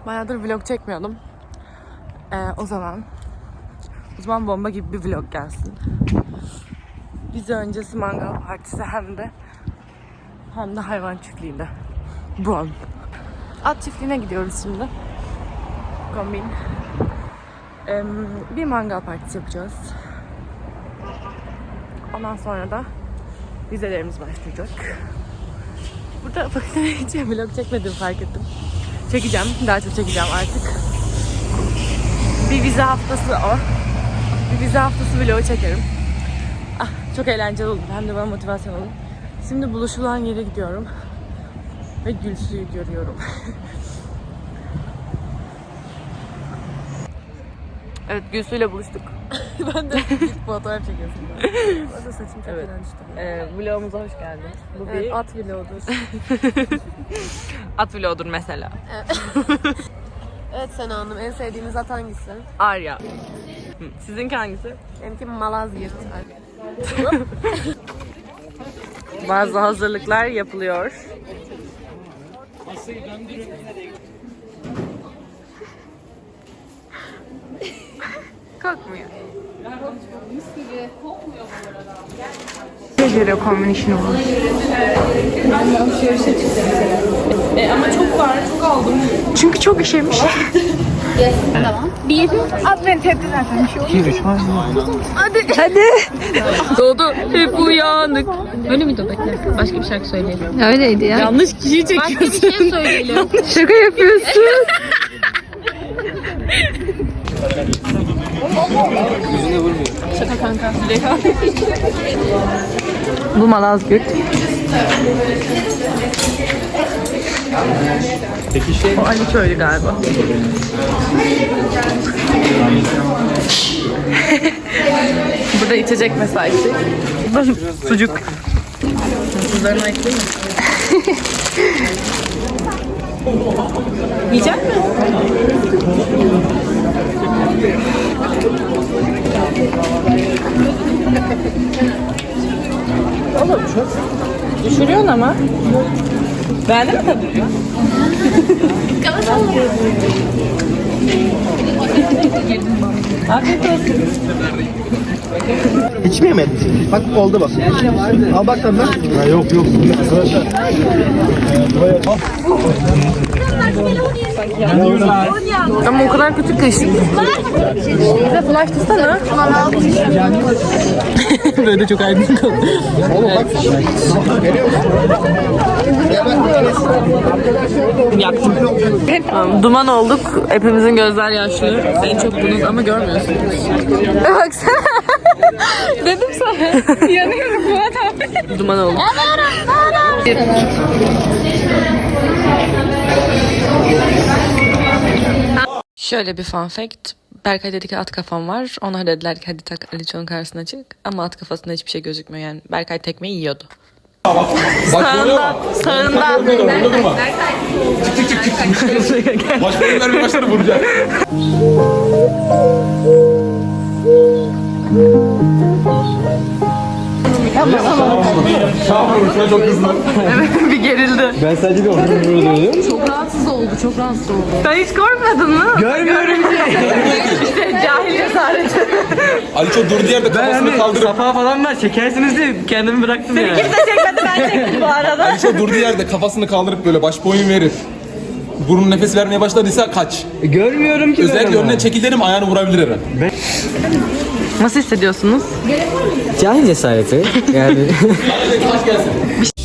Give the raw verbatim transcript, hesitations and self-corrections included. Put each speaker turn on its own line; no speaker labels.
Bayağıdır vlog çekmiyordum. Ee, o zaman o zaman bomba gibi bir vlog gelsin. Vize öncesi mangal partisi hem de hem de hayvan çiftliğinde. Bu an. At çiftliğine gidiyoruz şimdi. Kombin. Ee, bir mangal partisi yapacağız. Ondan sonra da vizelerimiz başlayacak. Burada bakın hiç vlog çekmedim fark ettim. Çekeceğim. Daha çok çekeceğim artık. Bir vize haftası o. Bir vize haftası vlogu çekerim. Ah, çok eğlenceli olur. Hem de bana motivasyon olur. Şimdi buluşulan yere gidiyorum. Ve Gülsü'yü görüyorum. Evet, Gülsü'yle buluştuk. Ben de ilk fotoğraf çekiyorsun. Orada saçım çok evet. İşte. Ee, vlogumuza hoş geldin. Bu evet, bir at vlogudur. At vlogudur mesela. Evet Sena Hanım, en sevdiğiniz at hangisi? Arya. Sizinki hangisi? Benimki Malazgirt. Bazı hazırlıklar yapılıyor. Kokmuyor. Mis gibi kokmuyor bu arada. Ne göre kombin işini olur? Alışverişe çıktı mesela. E, ama çok var, çok aldım. Çünkü çok işemiş.
Yes, tamam. Bir, at beni tepki zaten bir şey olur.
İki, üç var.
Hadi. Hadi. Doğdu. Hep uyanık.
Öyle miydi o bekle? Başka bir şarkı söyleyelim.
Öyleydi ya. Yanlış kişiyi çekiyorsun.
Başka bir şey söyleyelim.
Şaka yapıyorsun.
Yüzüne vurmuyor.
Şaka kanka.
Bu Malazgirt.
Peki şey...
O Ali Köylü galiba. Burada içecek mesaisi. Sucuk. Kızlarına ekleyeyim mi? Yiyecek mi? Olur. Düşürüyorsun ama. Beğendin mi tadını? Afiyet olsun.
Hiç mi yemedin? Bak oldu bak. Al bak tadına. Ha, yok yok.
Ama o kadar kötü kış. Bize flash tutsana. Böyle de çok aydın kaldı.
Oğlum bak. Geliyor musun?
Yaktım. Tamam, duman olduk. Hepimizin gözler yaşlı. En çok bunun ama görmüyorsunuz. Baksana. Dedim sana. Yanıyorum Fuat abi. Duman olduk. Şöyle bir fun fact. Berkay dedi ki at kafam var. Onlar dediler ki hadi tak Aliço'nun karşısına çık. Ama at kafasında hiçbir şey gözükmüyor yani. Berkay tekmeyi yiyordu. Sağından, sağından.
Çık çık çık çık. Başlarını vermeye başladı vuracak. Şahane çok hızlı.
Evet, bir gerildi.
Ben sadece bir orada duruyordum.
Çok rahatsız oldu, çok rahatsız oldu. Sen hiç korkmadın mı?
Görmüyorum ki.
İşte cahil cesareti.
Aliço durduğu yerde kafasını kaldırıp.
Safa falan var çekersiniz diye kendimi bıraktım yani.
Kimse çekmedi, ben çektim bu arada.
Aliço durduğu yerde kafasını kaldırıp böyle baş boyun verir. Burun nefes vermeye başladıysa kaç.
Görmüyorum ki.
Özellikle önüne çekil derim, ayağını vurabilir her an.
Nasıl hissediyorsunuz?
Cahil cesareti. Yani.
Kaç gelsin.